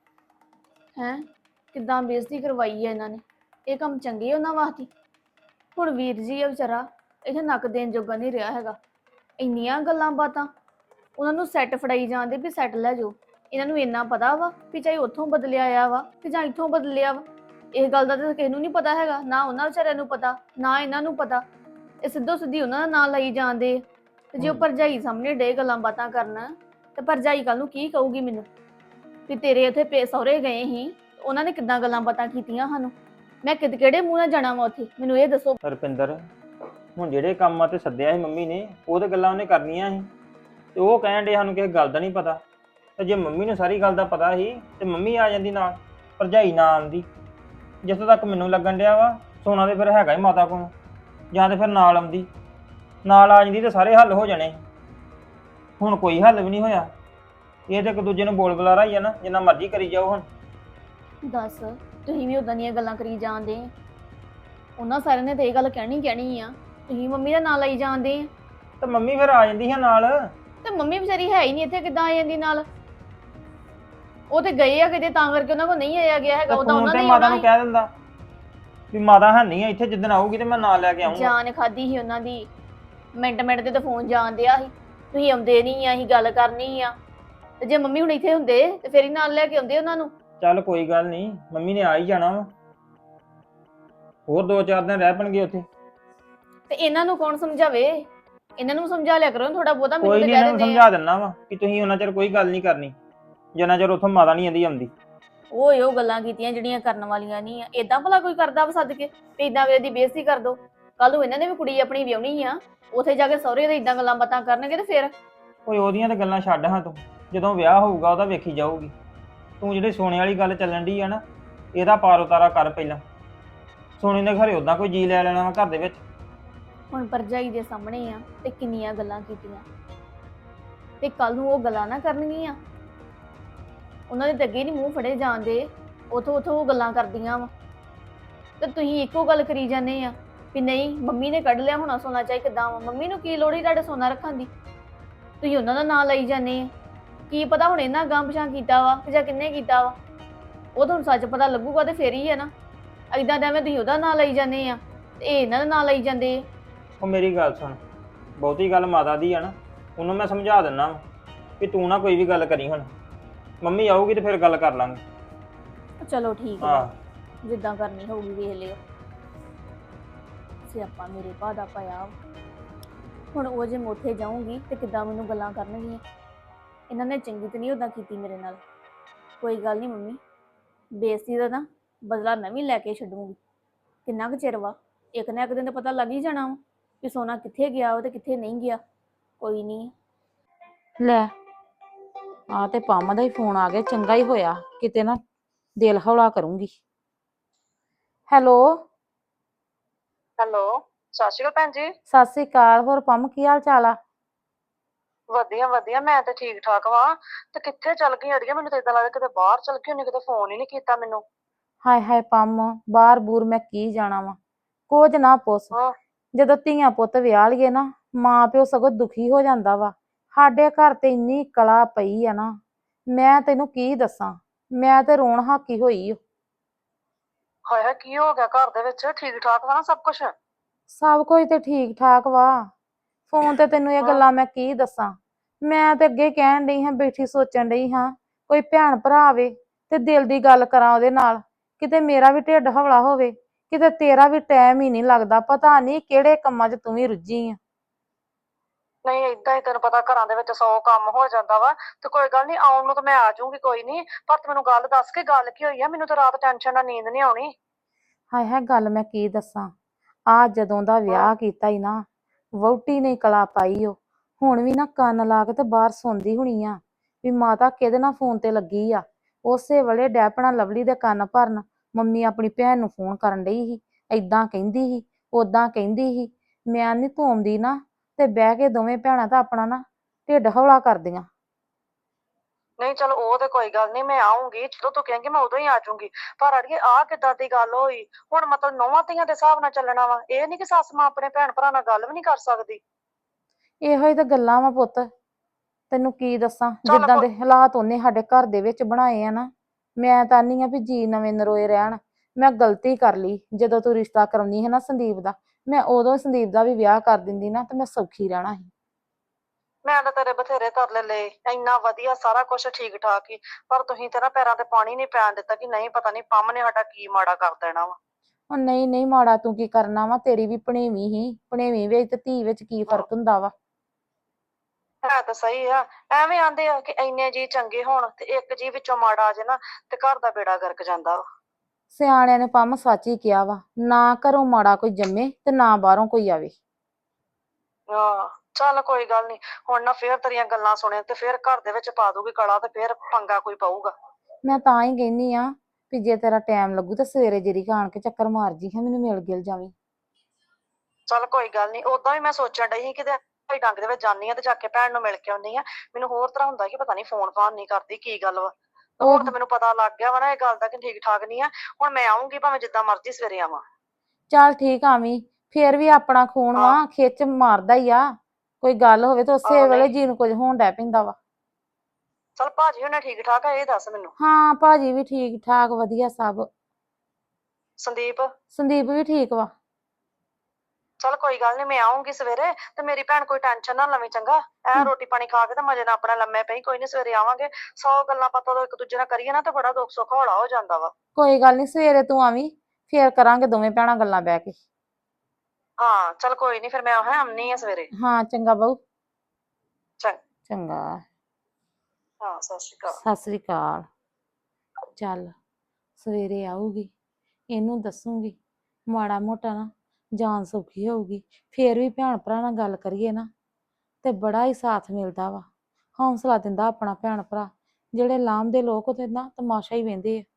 ਹੈ ਕਿੱਦਾਂ ਬੇਇੱਜ਼ਤੀ ਕਰਵਾਈ ਹੈ ਇਹਨਾਂ ਨੇ। ਇਹ ਕੰਮ ਚੰਗੇ ਉਹਨਾਂ ਵਾਸਤੇ। ਹੁਣ ਵੀਰ ਜੀ ਆ ਵਿਚਾਰਾ ਇੱਥੇ ਨੱਕ ਦੇਣ ਜੋਗਾ ਨਹੀਂ ਰਿਹਾ ਹੈਗਾ। ਇੰਨੀਆਂ ਗੱਲਾਂ ਬਾਤਾਂ ਉਹਨਾਂ ਨੂੰ ਸੈੱਟ ਫੜਾਈ ਜਾਂਦੇ ਵੀ ਸੈੱਟ ਲੈ ਜਾਓ। ਇਹਨਾਂ ਨੂੰ ਇੰਨਾ ਪਤਾ ਵਾ ਵੀ ਚਾਹੇ ਉੱਥੋਂ ਬਦਲਿਆ ਆਇਆ ਵਾ ਕਿ ਜਾਂ ਇੱਥੋਂ ਬਦਲਿਆ ਵਾ, ਇਹ ਗੱਲ ਦਾ ਤਾਂ ਕਿਸੇ ਨੂੰ ਨਹੀਂ ਪਤਾ ਹੈਗਾ, ਨਾ ਉਹਨਾਂ ਵਿਚਾਰਿਆਂ ਨੂੰ ਪਤਾ ਨਾ ਇਹਨਾਂ ਨੂੰ ਪਤਾ। ਇਹ ਸਿੱਧੋ ਸਿੱਧੀ ਉਹਨਾਂ ਦਾ ਨਾਂ ਲਈ ਜਾਂਦੇ। ਤੇ ਜੇ ਉਹ ਭਰਜਾਈ ਸਾਹਮਣੇ ਡੇ ਗੱਲਾਂ ਬਾਤਾਂ ਕਰਨ ਤੇ ਭਰਜਾਈ ਕੱਲ ਨੂੰ ਕੀ ਕਹੂਗੀ ਮੈਨੂੰ ਵੀ ਤੇਰੇ ਇੱਥੇ ਪੇ ਸਹੁਰੇ ਗਏ ਸੀ, ਉਹਨਾਂ ਨੇ ਕਿੱਦਾਂ ਗੱਲਾਂ ਬਾਤਾਂ ਕੀਤੀਆਂ ਸਾਨੂੰ, ਮੈਂ ਕਿਦ ਕਿਹੜੇ ਮੂੰਹ ਨਾਲ ਜਾਣਾ ਵਾ ਉੱਥੇ, ਮੈਨੂੰ ਇਹ ਦੱਸੋ। ਰੁਪਿੰਦਰ ਹੁਣ ਜਿਹੜੇ ਕੰਮਾਂ ਤੇ ਸੱਦਿਆ ਸੀ ਮੰਮੀ ਨੇ ਉਹ ਤੇ ਗੱਲਾਂ ਉਹਨੇ ਕਰਨੀਆਂ ਸੀ, ਤੇ ਉਹ ਕਹਿਣ ਡੇ ਸਾਨੂੰ ਕਿਸੇ ਗੱਲ ਦਾ ਨਹੀਂ ਪਤਾ। ਤੇ ਜੇ ਮੰਮੀ ਨੂੰ ਸਾਰੀ ਗੱਲ ਦਾ ਪਤਾ ਸੀ ਤੇ ਮੰਮੀ ਆ ਜਾਂਦੀ ਨਾਲ, ਭਰਜਾਈ ਨਾ ਆਉਂਦੀ। ਜਿੱਥੋਂ ਤੱਕ ਮੈਨੂੰ ਲੱਗਣ ਡਿਆ ਵਾ ਸੋਨਾ ਤੇ ਫਿਰ ਹੈਗਾ ਹੀ ਮਾਤਾ ਕੋਲ, ਜਾਂ ਤੇ ਫਿਰ ਨਾਲ ਆਉਂਦੀ, ਨਾਲ ਆ ਜਾਂਦੀ ਤੇ ਸਾਰੇ ਹੱਲ ਹੋ ਜਾਣੇ। ਹੁਣ ਕੋਈ ਹੱਲ ਵੀ ਨਹੀਂ ਹੋਇਆ। ਇਹ ਤੇ ਇੱਕ ਦੂਜੇ ਨੂੰ ਬੋਲ ਬੁਲਾਰਾ ਹੀ ਆ ਨਾ, ਜਿੰਨਾ ਮਰਜ਼ੀ ਕਰੀ ਜਾਓ। ਹੁਣ ਦੱਸ ਤੁਸੀਂ ਵੀ ਉਦਾਂ ਦੀਆਂ ਗੱਲਾਂ ਕਰੀ ਜਾਂਦੇ। ਉਹਨਾਂ ਸਾਰਿਆਂ ਨੇ ਤੇ ਇਹ ਗੱਲ ਕਹਿਣੀ ਕਹਿਣੀ ਆ, ਤੁਸੀਂ ਮੰਮੀ ਦਾ ਨਾਂ ਲਈ ਜਾਂਦੇ ਆ। ਤੇ ਮੰਮੀ ਫਿਰ ਆ ਜਾਂਦੀ ਹੈ ਨਾਲ। ਤੇ ਮੰਮੀ ਵਿਚਾਰੀ ਹੈ ਹੀ ਨਹੀਂ ਇੱਥੇ, ਕਿੱਦਾਂ ਆ ਜਾਂਦੀ ਨਾਲ? ਉਹ ਤੇ ਗਏ ਆ ਕਿਤੇ, ਤਾਂ ਕਰਕੇ ਉਹਨਾਂ ਕੋਲ ਨਹੀਂ ਆਇਆ ਗਿਆ ਹੈਗਾ। ਉਹਦਾ ਫੋਨ ਉਹਨਾਂ ਤੇ ਨੇ ਮਾਤਾ ਆਉਣਾ ਨੂੰ ਕਹਿ ਦਿੰਦਾ ਵੀ ਮਾਤਾ ਹੈ ਨਹੀਂ ਆ ਇੱਥੇ, ਜਿੱਦਣ ਆਊਗੀ ਤੇ ਮੈਂ ਨਾਲ ਲੈ ਕੇ ਆਉਂਗਾ। ਜਾਨ ਖਾਦੀ ਸੀ ਉਹਨਾਂ ਦੀ, ਮਿੰਟ ਮਿੰਟ ਤੇ ਤਾਂ ਫੋਨ ਜਾਣ ਦਿਆ ਸੀ, ਤੁਸੀਂ ਆਉਂਦੇ ਨਹੀਂ ਆ, ਅਸੀਂ ਗੱਲ ਕਰਨੀ ਆ। ਤੇ ਜੇ ਮੰਮੀ ਹੁਣ ਇੱਥੇ ਹੁੰਦੇ ਤੇ ਫੇਰ ਹੀ ਨਾਲ ਲੈ ਕੇ ਆਉਂਦੇ ਉਹਨਾਂ ਨੂੰ। ਚੱਲ ਕੋਈ ਗੱਲ ਨਹੀਂ, ਮੰਮੀ ਨੇ ਆ ਹੀ ਜਾਣਾ ਵਾ, ਹੋਰ ਦੋ ਚਾਰ ਦਿਨ ਰਹਿ ਪਣਗੇ ਉੱਥੇ। ਤੇ ਇਹਨਾਂ ਨੂੰ ਕੌਣ ਸਮਝਾਵੇ? ਇਹਨਾਂ ਨੂੰ ਸਮਝਾ ਲਿਆ ਕਰੋ ਥੋੜਾ ਬਹੁਤਾ, ਮੈਨੂੰ ਕੋਈ ਤਾਂ ਨਹੀਂ, ਕਹਿ ਇਹਨਾਂ ਨੂੰ ਦਿੰਦੇ ਸਮਝਾ ਦਿੰਦਾ ਵਾ ਕਿ ਤੁਸੀਂ ਉਹਨਾਂ ਚਿਰ ਕੋਈ ਗੱਲ ਨਹੀਂ ਕਰਨੀ ਜਿੰਨਾ ਚਿਰ ਉੱਥੋਂ ਮਾਤਾ ਨਹੀਂ ਆਂਦੀ ਆਉਂਦੀ। ਉਹ ਉਹ ਗੱਲਾਂ ਕੀਤੀਆਂ ਜਿਹੜੀਆਂ ਕਰਨ ਵਾਲੀਆਂ ਨਹੀਂ ਆ। ਏਦਾਂ ਭਲਾ ਕੋਈ ਕਰਦਾ ਵਾ ਸੱਦ ਕੇ ਤੇ ਇਦਾਂ ਵੇ ਦੀ ਬੇਇੱਜ਼ਤੀ ਕਰ ਦੋ? ਕੱਲ ਨੂੰ ਇਹਨਾਂ ਨੇ ਵੀ ਕੁੜੀ ਆਪਣੀ ਵਿਆਹਣੀ ਆ, ਉੱਥੇ ਜਾ ਕੇ ਸਹੁਰੇ ਦੇ ਇਦਾਂ ਗੱਲਾਂ ਬਾਤਾਂ ਕਰਨਗੇ ਤੇ ਫਿਰ ਓਏ ਉਹਦੀਆਂ ਤਾਂ ਗੱਲਾਂ ਛੱਡ ਹਾਂ, ਤੂੰ ਜਦੋਂ ਵਿਆਹ ਹੋਊਗਾ ਉਹਦਾ ਵੇਖੀ ਜਾਊਗੀ। ਤੂੰ ਜਿਹੜੀ ਸੋਨੇ ਵਾਲੀ ਗੱਲ ਚੱਲਣ ਡਈ ਆ ਨਾ, ਇਹਦਾ ਪਾਰ ਉਤਾਰਾ ਕਰ ਪਹਿਲਾਂ। ਸੋਨੇ ਨੇ ਘਰੇ ਉਦਾਂ ਕੋਈ ਜੀ ਲੈ ਲੈਣਾ ਵਾ ਘਰ ਦੇ ਵਿੱਚ। ਹੁਣ ਭਰਜਾਈ ਦੇ ਸਾਹਮਣੇ ਆ ਤੇ ਕਿੰਨੀਆਂ ਗੱਲਾਂ ਕੀਤੀਆਂ, ਤੇ ਕੱਲ ਨੂੰ ਉਹ ਗੱਲਾਂ ਨਾ ਕਰਨਗੀਆਂ। ਉਹਨਾਂ ਦੇ ਅੱਗੇ ਨਹੀਂ ਮੂੰਹ ਫੜੇ ਜਾਂਦੇ, ਉਥੋਂ ਉਥੋਂ ਉਹ ਗੱਲਾਂ ਕਰਦੀਆਂ ਵਾ। ਤੇ ਤੁਸੀਂ ਇੱਕੋ ਗੱਲ ਕਰੀ ਜਾਂਦੇ ਆ ਵੀ ਨਹੀਂ ਮੰਮੀ ਨੇ ਕੱਢ ਲਿਆ ਹੋਣਾ ਸੋਨਾ, ਚਾਹੀ ਕਿੱਦਾਂ ਵਾ, ਮੰਮੀ ਨੂੰ ਕੀ ਲੋੜ ਹੀ ਤੁਹਾਡੇ ਸੋਨਾ ਰੱਖਣ ਦੀ? ਤੁਸੀਂ ਉਹਨਾਂ ਦਾ ਨਾਂ ਲਈ ਜਾਂਦੇ ਆ। ਕੀ ਪਤਾ ਹੁਣ ਇਹਨਾਂ ਗਾਂ ਪਛਾਂ ਕੀਤਾ ਵਾ ਜਾਂ ਕਿੰਨੇ ਕੀਤਾ ਵਾ, ਉਹ ਤੁਹਾਨੂੰ ਸੱਚ ਪਤਾ ਲੱਗੂਗਾ ਤੇ ਫੇਰ ਹੀ ਹੈ ਨਾ। ਏਦਾਂ ਦਾ ਐਵੇਂ ਤੁਸੀਂ ਉਹਦਾ ਨਾਂ ਲਈ ਜਾਂਦੇ ਆ ਤੇ ਇਹ ਇਹਨਾਂ ਦਾ ਨਾਂ ਲਈ ਜਾਂਦੇ ਆ। ਉਹ ਮੇਰੀ ਗੱਲ ਸੁਣ, ਬਹੁਤੀ ਗੱਲ ਮਾਤਾ ਦੀ ਆ ਨਾ, ਉਹਨੂੰ ਮੈਂ ਸਮਝਾ ਦਿੰਦਾ ਵਾ ਵੀ ਤੂੰ ਨਾ ਕੋਈ ਵੀ ਗੱਲ ਕਰੀ। ਹੁਣ ਮੰਮੀ ਆਊਗੀ ਤੇ ਫਿਰ ਗੱਲ ਕਰ ਲਾਂਗੇ। ਚਲੋ ਠੀਕ ਹੈ, ਹਾਂ ਜਿੱਦਾਂ ਕਰਨੀ ਹੋਊਗੀ ਵੇਖ ਲਿਓ। ਸਿਆਪਾ ਮੇਰੇ ਭਾ ਦਾ ਪਾਇਆ। ਹੁਣ ਉਹ ਜੇ ਮੈਂ ਉੱਥੇ ਜਾਊਂਗੀ ਤੇ ਕਿੱਦਾਂ ਮੈਨੂੰ ਗੱਲਾਂ ਕਰਨਗੀਆਂ। ਇਹਨਾਂ ਨੇ ਚੰਗੀ ਤੇ ਨਹੀਂ ਉਦਾਂ ਕੀਤੀ ਮੇਰੇ ਨਾਲ। ਕੋਈ ਗੱਲ ਨਹੀਂ ਮੰਮੀ, ਬੇਇੱਜ਼ਤੀ ਦਾ ਨਾ ਬਦਲਾ ਮੈਂ ਵੀ ਲੈ ਕੇ ਛੱਡੂੰਗੀ। ਕਿੰਨਾ ਕੁ ਚਿਰ ਵਾ, ਇੱਕ ਨਾ ਇੱਕ ਦਿਨ ਤਾਂ ਪਤਾ ਲੱਗ ਹੀ ਜਾਣਾ ਵਾ ਕਿ ਸੋਨਾ ਕਿੱਥੇ ਗਿਆ ਵਾ ਤੇ ਕਿੱਥੇ ਨਹੀਂ ਗਿਆ। ਕੋਈ ਨਹੀਂ। ਲੈ ਆ ਤੇ ਪੰਮ ਦਾ ਹੀ ਫੋਨ ਆ ਗਿਆ, ਚੰਗਾ ਹੀ ਹੋਇਆ, ਕਿਤੇ ਨਾ ਦਿਲ ਹੌਲਾ ਕਰੂੰਗੀ। ਹੈਲੋ ਹੈਲੋ, ਸਤਿ ਸ਼੍ਰੀ ਅਕਾਲ ਭੈਣ ਜੀ। ਸਤਿ ਸ੍ਰੀ ਅਕਾਲ। ਹੋਰ ਪੰਮ ਕੀ ਹਾਲ ਚਾਲ ਆ? ਵਧੀਆ ਵਧੀਆ, ਮੈਂ ਤੇ ਠੀਕ ਠਾਕ ਵਾਂ। ਤੇ ਕਿੱਥੇ ਚੱਲ ਗਈ ਅੜੀਏ? ਮੈਨੂੰ ਤਾਂ ਏਦਾਂ ਲੱਗਦਾ ਕਿਤੇ ਬਾਹਰ ਚੱਲ ਗਈ ਉਹਨੇ, ਕਿਤੇ ਫੋਨ ਹੀ ਨਹੀਂ ਕੀਤਾ ਮੈਨੂੰ। ਹਾਏ ਹਾਏ ਪੰਮ, ਬਾਹਰ ਬੂਰ ਮੈਂ ਕੀ ਜਾਣਾ ਵਾ, ਕੁਝ ਨਾ ਪੁੱਛ। ਹਾਂ। ਜਦੋਂ ਧੀਆਂ ਪੁੱਤ ਵਿਆਹ ਲਈਏ ਨਾ, ਮਾਂ ਪਿਓ ਸਗੋਂ ਦੁਖੀ ਹੋ ਜਾਂਦਾ ਵਾ। ਸਾਡੇ ਘਰ ਤੇ ਇੰਨੀ ਕਲਾ ਪਈ ਆ ਨਾ, ਮੈਂ ਤੈਨੂੰ ਕੀ ਦੱਸਾਂ, ਮੈਂ ਤੇ ਰੋਣ ਹਾਕੀ ਹੋਈ ਓ। ਹਾਏ ਹਾਏ, ਕੀ ਹੋ ਗਿਆ ਘਰ ਦੇ ਵਿੱਚ? ਠੀਕ ਠਾਕ ਵਾ ਨਾ ਸਭ ਕੁਝ? ਸਭ ਕੁਝ ਤੇ ਠੀਕ ਠਾਕ ਵਾ। ਫੋਨ ਤੇ ਤੈਨੂੰ ਇਹ ਹਾਂ। ਗੱਲਾਂ ਮੈਂ ਕੀ ਦੱਸਾਂ। ਮੈਂ ਤੇ ਅੱਗੇ ਕਹਿਣ ਡਈ ਹਾਂ, ਬੈਠੀ ਸੋਚਣ ਡਈ ਹਾਂ ਕੋਈ ਭੈਣ ਭਰਾ ਆਵੇ ਤੇ ਦਿਲ ਦੀ ਗੱਲ ਕਰਾਂ ਉਹਦੇ ਨਾਲ, ਕਿਤੇ ਮੇਰਾ ਵੀ ਢਿੱਡ ਹੌਲਾ ਹੋਵੇ, ਕਿਤੇ ਤੇਰਾ ਵੀ ਟਾਈਮ ਹੀ ਨਹੀਂ ਲੱਗਦਾ। ਪਤਾ ਨਹੀਂ ਕਿਹੜੇ ਕੰਮਾਂ 'ਚ ਤੂੰ ਵੀ ਰੁੱਝੀ ਆ। ਨਹੀਂ, ਏਦਾਂ ਹੀ ਤੈਨੂੰ ਪਤਾ ਘਰਾਂ ਦੇ ਵਿੱਚ ਸੌ ਕੰਮ ਹੋ ਜਾਂਦਾ ਵਾ। ਤੇ ਕੋਈ ਗੱਲ ਨਹੀਂ, ਆਉਣ ਨੂੰ ਤਾਂ ਮੈਂ ਆ ਜਾਊਂਗੀ, ਕੋਈ ਨਹੀਂ। ਪਰ ਤੂੰ ਮੈਨੂੰ ਗੱਲ ਦੱਸ ਕੇ ਗੱਲ ਕੀ ਹੋਈ ਆ? ਮੈਨੂੰ ਤਾਂ ਰਾਤ ਟੈਨਸ਼ਨ ਨਾਲ ਨੀਂਦ ਨਹੀਂ ਆਉਣੀ। ਹਾਏ ਹਾਏ, ਗੱਲ ਮੈਂ ਕੀ ਦੱਸਾਂ। ਆ ਜਦੋਂ ਦਾ ਵਿਆਹ ਕੀਤਾ ਹੀ ਨਾ, ਵਹੁਟੀ ਨੇ ਕਲਾ ਪਾਈ ਓ। ਹੁਣ ਵੀ ਨਾ ਕੰਨ ਲਾ ਕੇ ਤੇ ਬਾਹਰ ਸੌਂਦੀ ਹੋਣੀ ਆ ਵੀ ਮਾਤਾ ਕਿਹਦੇ ਨਾਲ ਫੋਨ ਤੇ ਲੱਗੀ ਆ। ਉਸੇ ਵੇਲੇ ਡੈਪਣਾ ਲਵਲੀ ਦੇ ਕੰਨ ਭਰਨ, ਮੰਮੀ ਆਪਣੀ ਭੈਣ ਨੂੰ ਫੋਨ ਕਰਨ ਡਈ ਸੀ, ਏਦਾਂ ਕਹਿੰਦੀ ਸੀ, ਓਦਾਂ ਕਹਿੰਦੀ ਸੀ। ਮੈਂ ਨੀ ਤੂੰ ਆਉਂਦੀ ਨਾ ਤੇ ਬਹਿ ਕੇ ਦੋਵੇਂ ਭੈਣਾਂ ਤਾਂ ਆਪਣਾ ਨਾ ਢਿੱਡ ਹੌਲਾ ਕਰਦੀਆਂ। ਨਹੀਂ ਚਲ, ਉਹ ਤੇ ਕੋਈ ਗੱਲ ਨਹੀਂ, ਮੈਂ ਆਉਂਗੀ ਜਦੋਂ ਤੂੰ ਕਹੇਂਗੀ ਮੈਂ ਉਦੋਂ ਹੀ ਆ ਜਾਊਂਗੀ। ਪਰ ਅੜੀਏ, ਆਹ ਕਿੱਦਾਂ ਦੀ ਗੱਲ ਹੋਈ? ਹੁਣ ਮਤਲਬ ਨੌਵਾਂ ਧੀਆਂ ਦੇ ਹਿਸਾਬ ਨਾਲ ਚੱਲਣਾ ਵਾ? ਇਹ ਨਹੀਂ ਕਿ ਸੱਸ ਮਾਂ ਆਪਣੇ ਭੈਣ ਭਰਾ ਨਾਲ ਗੱਲ ਵੀ ਨਹੀਂ ਕਰ ਸਕਦੀ? ਇਹੋ ਹੀ ਤਾਂ ਗੱਲਾਂ ਵਾ ਪੁੱਤ, ਤੈਨੂੰ ਕੀ ਦੱਸਾਂ। ਚੱਲ ਜਿੱਦਾਂ ਕੋ ਦੇ ਹਾਲਾਤ ਉਹਨੇ ਸਾਡੇ ਘਰ ਦੇ ਵਿੱਚ ਬਣਾਏ ਆ ਨਾ, ਮੈਂ ਤਾਂ ਨਹੀਂ ਆ ਵੀ ਜੀ ਨਵੇਂ ਨਰੋਏ ਰਹਿਣ। ਮੈਂ ਗਲਤੀ ਕਰ ਲਈ ਜਦੋਂ ਤੂੰ ਰਿਸ਼ਤਾ ਕਰਾਉਣੀ ਹੈ ਨਾ ਸੰਦੀਪ ਦਾ, ਮੈਂ ਉਦੋਂ ਸੰਦੀਪ ਦਾ ਵੀ ਵਿਆਹ ਕਰ ਦਿੰਦੀ ਨਾ ਤੇ ਮੈਂ ਸੌਖੀ ਰਹਿਣਾ ਸੀ। ਮੈਂ ਤਾਂ ਤੇਰੇ ਬਥੇਰੇ ਤਰਲੇ ਲਏ, ਇੰਨਾ ਵਧੀਆ ਸਾਰਾ ਕੁਝ ਠੀਕ ਠਾਕ ਹੀ। ਪਰ ਤੁਸੀਂ ਤੇ ਨਾ ਪੈਰਾਂ ਤੇ ਪਾਣੀ ਨਹੀਂ ਪੈਣ ਦਿੱਤਾ ਕਿ ਨਹੀਂ ਪਤਾ ਨਹੀਂ ਪੰਮ ਨੇ ਸਾਡਾ ਕੀ ਮਾੜਾ ਕਰ ਦੇਣਾ ਵਾ। ਉਹ ਨਹੀਂ ਨਹੀਂ, ਮਾੜਾ ਤੂੰ ਕੀ ਕਰਨਾ ਵਾ, ਤੇਰੀ ਵੀ ਭਣੇਵੀਂ ਹੀ। ਭਣੇਵੀਂ ਵਿੱਚ ਤੇ ਧੀ ਵਿੱਚ ਕੀ ਫਰਕ ਹੁੰਦਾ ਵਾ। ਹੈ ਤਾਂ ਸਹੀ ਆ। ਐਵੇਂ ਆਂਦੇ ਆ ਕਿ ਇੰਨੇ ਜੀ ਚੰਗੇ ਹੋਣ ਤੇ ਇੱਕ ਜੀ ਵਿੱਚੋਂ ਮਾੜਾ ਆ ਜਾਏ ਨਾ ਤੇ ਘਰ ਦਾ ਬੇੜਾ ਗਰਕ ਜਾਂਦਾ ਵਾ। ਸਿਆਣਿਆਂ ਨੇ ਪੰਮ ਸੱਚ ਹੀ ਕਿਹਾ ਵਾ, ਨਾ ਘਰੋਂ ਮਾੜਾ ਕੋਈ ਜੰਮੇ ਤੇ ਨਾ ਬਾਹਰੋਂ ਕੋਈ ਆਵੇ। ਆਹ ਚੱਲ ਕੋਈ ਗੱਲ ਨਹੀਂ, ਹੁਣ ਨਾ ਫੇਰ ਤੇਰੀਆਂ ਗੱਲਾਂ ਸੁਣੇ ਤੇ ਫੇਰ ਘਰ ਦੇ ਵਿੱਚ ਪਾ ਦੂਗੀ ਕਲਾ ਤੇ ਫੇਰ ਪੰਗਾ ਕੋਈ ਪਊਗਾ। ਮੈਂ ਤਾਂ ਹੀ ਕਹਿੰਦੀ ਆ ਵੀ ਜੇ ਤੇਰਾ ਟਾਈਮ ਲੱਗੂ ਤਾਂ ਸਵੇਰੇ ਜਿਹੜੀ ਆਣ ਕੇ ਚੱਕਰ ਮਾਰ ਜੀ ਹਾਂ, ਮੈਨੂੰ ਮਿਲ ਗਿਲ ਜਾਵੀਂ। ਚੱਲ ਕੋਈ ਗੱਲ ਨਹੀਂ, ਓਦਾਂ ਵੀ ਮੈਂ ਸੋਚਣ ਡਈ ਸੀ ਕਿਤੇ ਭਾਈ ਡੰਗ ਦੇ ਵਿੱਚ ਜਾਂਦੀ ਆ ਤੇ ਜਾ ਕੇ ਭੈਣ ਨੂੰ ਮਿਲ ਕੇ ਆਉਂਦੀ ਆ। ਮੈਨੂੰ ਹੋਰ ਤਰ੍ਹਾਂ ਹੁੰਦਾ ਕਿ ਪਤਾ ਨਹੀਂ ਫੋਨ ਫਾਨ ਨਹੀਂ ਕਰਦੀ, ਕੀ ਗੱਲ ਵਾ। ਤੇ ਹੁਣ ਉਹ ਤਾਂ ਮੈਨੂੰ ਪਤਾ ਲੱਗ ਗਿਆ ਵਾ ਨਾ ਇਹ ਗੱਲ ਦਾ ਕਿ ਠੀਕ ਠਾਕ ਨਹੀਂ ਆ। ਹੁਣ ਮੈਂ ਆਉਂਗੀ, ਭਾਵੇਂ ਜਿੱਦਾਂ ਮਰਜ਼ੀ ਸਵੇਰੇ ਆਵਾਂ। ਚੱਲ ਠੀਕ ਆਵੀਂ, ਫੇਰ ਵੀ ਆਪਣਾ ਖੂਨ ਵਾ, ਹਾਂ। ਖਿੱਚ ਮਾਰਦਾ ਹੀ ਆ। ਕੋਈ ਗੱਲ ਹੋਵੇ ਤਾਂ ਉਸੇ ਆਹੋ ਵੇਲੇ ਨਹੀਂ, ਜੀ ਨੂੰ ਕੁਝ ਹੋਣ ਡੈ ਪੈਂਦਾ ਵਾ। ਚੱਲ ਭਾਜੀ ਹੁਣੇ ਠੀਕ ਠਾਕ ਆ, ਇਹ ਦੱਸ ਮੈਨੂੰ। ਹਾਂ ਭਾਜੀ ਵੀ ਠੀਕ ਠਾਕ ਵਧੀਆ ਸਭ। ਸੰਦੀਪ? ਸੰਦੀਪ ਵੀ ਠੀਕ ਵਾ। ਚੱਲ ਕੋਈ ਗੱਲ ਨਹੀਂ, ਮੈਂ ਆਉਂਗੀ ਸਵੇਰੇ ਤੇ ਮੇਰੀ ਭੈਣ ਕੋਈ ਟੈਨਸ਼ਨ ਨਾ ਲਵੇਂ, ਚੰਗਾ? ਐ ਰੋਟੀ ਪਾਣੀ ਖਾ ਕੇ ਤੇ ਮਜੇ ਨਾਲ ਆਪਣਾ ਲੰਮੇ ਪਈ, ਕੋਈ ਨਹੀਂ ਸਵੇਰੇ ਆਵਾਂਗੇ। ਸੌ ਗੱਲਾਂ ਪਤਾ ਤੋਂ ਇੱਕ ਦੂਜੇ ਨਾਲ ਕਰੀਏ ਨਾ ਤੇ ਬੜਾ ਦੁੱਖ ਸੁੱਖ ਹੌਲਾ ਹੋ ਜਾਂਦਾ ਵਾ। ਕੋਈ ਗੱਲ ਨਹੀਂ, ਸਵੇਰੇ ਤੂੰ ਆਵੀਂ, ਫੇਰ ਕਰਾਂਗੇ ਦੋਵੇਂ ਭੈਣਾਂ ਗੱਲਾਂ ਬਹਿ ਕੇ। ਹਾਂ ਚੱਲ ਕੋਈ ਨਹੀਂ, ਫਿਰ ਮੈਂ ਹੈ ਆਉਣੀ ਆ ਸਵੇਰੇ। ਹਾਂ ਚੰਗਾ ਬਹੂ। ਚੰਗਾ। ਚੰਗਾ। ਹਾਂ, ਸਤਿ ਸ਼੍ਰੀ ਅਕਾਲ। ਸਤਿ ਸ੍ਰੀ ਅਕਾਲ। ਚੱਲ ਸਵੇਰੇ ਆਊਗੀ, ਇਹਨੂੰ ਦੱਸੂਗੀ, ਮਾੜਾ ਮੋਟਾ ਨਾ ਜਾਨ ਸੌਖੀ ਹੋਊਗੀ। ਫੇਰ ਵੀ ਭੈਣ ਭਰਾ ਨਾਲ ਗੱਲ ਕਰੀਏ ਨਾ ਤੇ ਬੜਾ ਹੀ ਸਾਥ ਮਿਲਦਾ ਵਾ, ਹੌਸਲਾ ਦਿੰਦਾ ਆਪਣਾ ਭੈਣ ਭਰਾ। ਜਿਹੜੇ ਲਾਂਭਦੇ ਲੋਕ ਉਹਦੇ ਨਾ ਤਮਾਸ਼ਾ ਹੀ ਵੇਂਦੇ ਆ।